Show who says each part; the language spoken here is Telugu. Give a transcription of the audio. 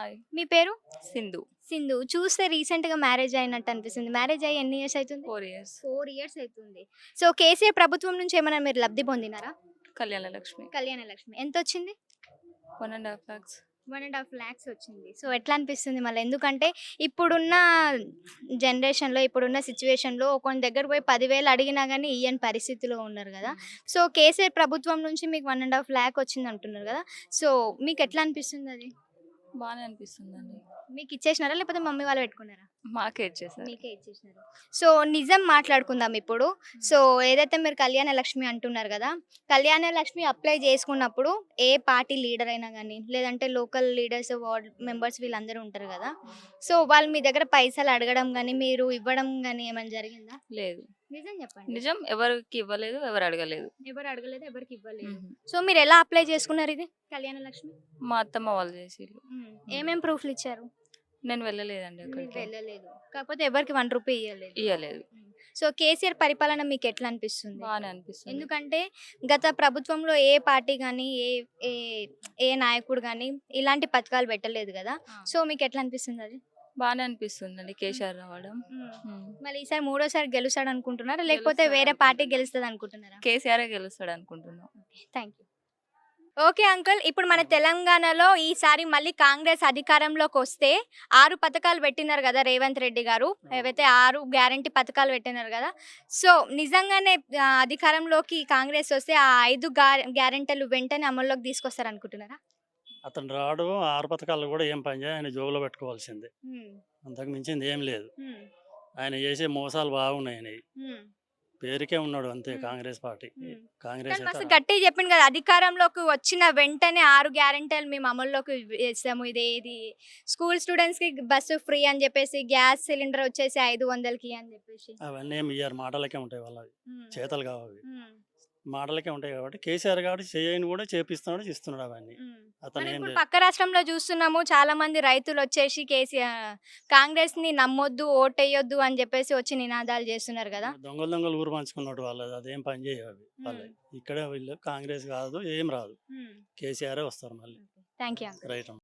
Speaker 1: హాయ్.
Speaker 2: మీ పేరు?
Speaker 1: సింధు.
Speaker 2: సింధు. చూస్తే రీసెంట్‌గా మ్యారేజ్ అయినట్టు అనిపిస్తుంది. మ్యారేజ్ అయ్యి ఎన్ని ఇయర్స్ అయితుంది?
Speaker 1: 4 ఇయర్స్.
Speaker 2: 4 ఇయర్స్ అయితుంది. సో, కేసీఆర్ ప్రభుత్వం నుంచి ఏమైనా మీరు లబ్ధి పొందినారా?
Speaker 1: కళ్యాణ లక్ష్మి.
Speaker 2: కళ్యాణ లక్ష్మి. ఎంతొచ్చింది?
Speaker 1: 1.5 lakhs.
Speaker 2: 1.5 లాక్స్ వచ్చింది. సో, ఎట్లా అనిపిస్తుంది మళ్ళీ? ఎందుకంటే ఇప్పుడున్న జనరేషన్‌లో, ఇప్పుడున్న సిట్యుయేషన్‌లో ఒకని దగ్గర పోయి 10,000 అడిగినా గాని ఇయ్యని పరిస్థితిలో ఉన్నారు గదా! సో, కేసీఆర్ ప్రభుత్వం నుంచి మీకు 1.5 లాక్ వచ్చిందంటున్నారు గదా! సో, మీకెట్లా అనిపిస్తుందది?
Speaker 1: బానే అనిపిస్తుందండి.
Speaker 2: మీకిచ్చేసినారా? లేకపోతే మమ్మీ వాళ్ళు పెట్టుకున్నారా?
Speaker 1: మాకే ఇచ్చేసారు.
Speaker 2: మీకే ఇచ్చేసినారు. సో, నిజం మాట్లాడుకుందాం ఇప్పుడు. సో, ఏదైతే మీరు కళ్యాణ లక్ష్మి అంటున్నారు గదా! కళ్యాణ లక్ష్మి అప్లై చేసుకున్నప్పుడు ఏ పార్టీ లీడర్ అయినా గానీ, లేదంటే లోకల్ లీడర్స్, వార్డ్ మెంబర్స్ వీళ్ళందరూ ఉంటారు గదా! సో, వాళ్ళు మీ దగ్గర పైసలు అడగడం గానీ, మీరు ఇవ్వడం గానీ ఏమైనా జరిగిందా?
Speaker 1: లేదు.
Speaker 2: నిజం చెప్పండి.
Speaker 1: నిజం ఎవరికి ఇవ్వలేదు, ఎవరు అడగలేదు.
Speaker 2: ఎవరు అడగలేదు, ఎవరికి ఇవ్వలేదు.
Speaker 1: హుహు.
Speaker 2: సో, మీరెలా అప్లై చేసుకున్నారు ఇది కళ్యాణ లక్ష్మి?
Speaker 1: మా అత్తమ్మ వాళ్ళు చేసిర్రు.
Speaker 2: ఏమేం ప్రూఫ్‌లు ఇచ్చారు?
Speaker 1: నేను వెళ్ళలేదండి
Speaker 2: మీరు
Speaker 1: అక్కడికి.
Speaker 2: వెళ్ళలేదు. కాకపోతే ఎవరికీ రూ. 1 ఇయ్యలేదు.
Speaker 1: ఇయ్యలేదు.
Speaker 2: సో, కేసీఆర్ పరిపాలన మీకెట్లా అనిపిస్తుంది?
Speaker 1: బానే అనిపిస్తుంది.
Speaker 2: ఎందుకంటే గత ప్రభుత్వంలో ఏ పార్టీ గానీ, ఏ ఏ నాయకుడు గానీ ఇలాంటి పథకాలు పెట్టలేదు గదా! సో, మీకెట్లా అనిపిస్తుందది?
Speaker 1: బానే అనిపిస్తుందండి కేసీఆర్ రావడం. హ్మ్.
Speaker 2: మళ్ళీ ఈసారి మూడోసారి గెలుస్తాడనుకుంటున్నారా? లేకపోతే వేరే
Speaker 1: గెలుస్తాడు
Speaker 2: పార్టీ గెలుస్తదనుకుంటున్నారా?
Speaker 1: కేసీఆరే గెలుస్తాడు అనుకుంటున్నాం.
Speaker 2: Thank you. Okay uncle. ఇప్పుడు మన తెలంగాణలో ఈసారి మళ్ళీ కాంగ్రెస్ అధికారంలోకొస్తే 6 పథకాలు పెట్టినారు గదా! రేవంత్ రెడ్డి గారు. ఏవైతే 6 గ్యారంటీ పథకాలు పెట్టినారు గదా! సో, నిజంగానే అధికారంలోకి కాంగ్రెస్ వస్తే ఆ 5 గ్యారంటీలు వెంటనే అమల్లోకి తీసుకొస్తారనుకుంటున్నారా?
Speaker 3: అతను రాడు 6 పథకాలు కూడా ఏం పనిచేయవు. ఆయన జోబులో పెట్టుకోవాల్సిందే.
Speaker 2: హ్మ్.
Speaker 3: అంతకు మించింది ఏం లేదు.
Speaker 2: హ్మ్.
Speaker 3: ఆయన చేసే మోసాలు బాగున్నాయి ఆయనయి.
Speaker 2: హ్మ్.
Speaker 3: పేరుకే ఉన్నాడు అంతే
Speaker 2: hmm.
Speaker 3: Congress party.
Speaker 2: Hmm.
Speaker 3: Congress
Speaker 2: కానీ
Speaker 3: అయితే
Speaker 2: మస్తు గట్టిగా చెప్పిండు కదా! అధికారంలోకి వచ్చిన వెంటనే 6 గ్యారంటీలు మేము అమల్లోకి వేస్తాము. ఇదేది స్కూల్ స్టూడెంట్స్‌కి బస్సు ఫ్రీ అని చెప్పేసి, గ్యాస్ సిలిండర్ వచ్చేసి 500కి అని చెప్పేసి.
Speaker 3: అవన్నీ ఏమి ఇయ్యరు. మాటలకే ఉంటాయి వాళ్ళవి.
Speaker 2: హ్మ్.
Speaker 3: చేతలు కావు అవి.
Speaker 2: హ్మ్.
Speaker 3: మాటలకే ఉంటాయి కాబట్టి కేసీఆర్ కాబట్టి చేయని కూడా చేపిస్తున్నాడు, ఇస్తున్నాడు అవన్నీ.
Speaker 2: హ్మ్.
Speaker 3: అతను
Speaker 2: మనం
Speaker 3: ఏం
Speaker 2: ఇప్పుడు
Speaker 3: లేదు.
Speaker 2: పక్క రాష్ట్రంలో చూస్తున్నాము. చాలా మంది రైతులొచ్చేసి కాంగ్రెస్‌ని నమ్మొద్దు, ఓటెయ్యొద్దు అని చెప్పేసి వచ్చి నినాదాలు చేస్తున్నారు కదా!
Speaker 3: దొంగలు దొంగలు ఊరు పంచుకున్నట్టు వాళ్ళది. అదేం పని చేయవు అవి
Speaker 2: హ్మ్.
Speaker 3: వాళ్ళవి. ఇక్కడ వీళ్ళు కాంగ్రెస్ కాదు, ఏం రాదు.
Speaker 2: హ్మ్.
Speaker 3: కేసీఆరే వస్తారు మళ్ళీ.
Speaker 2: Thank you uncle.
Speaker 3: రైట్ అమ్మ.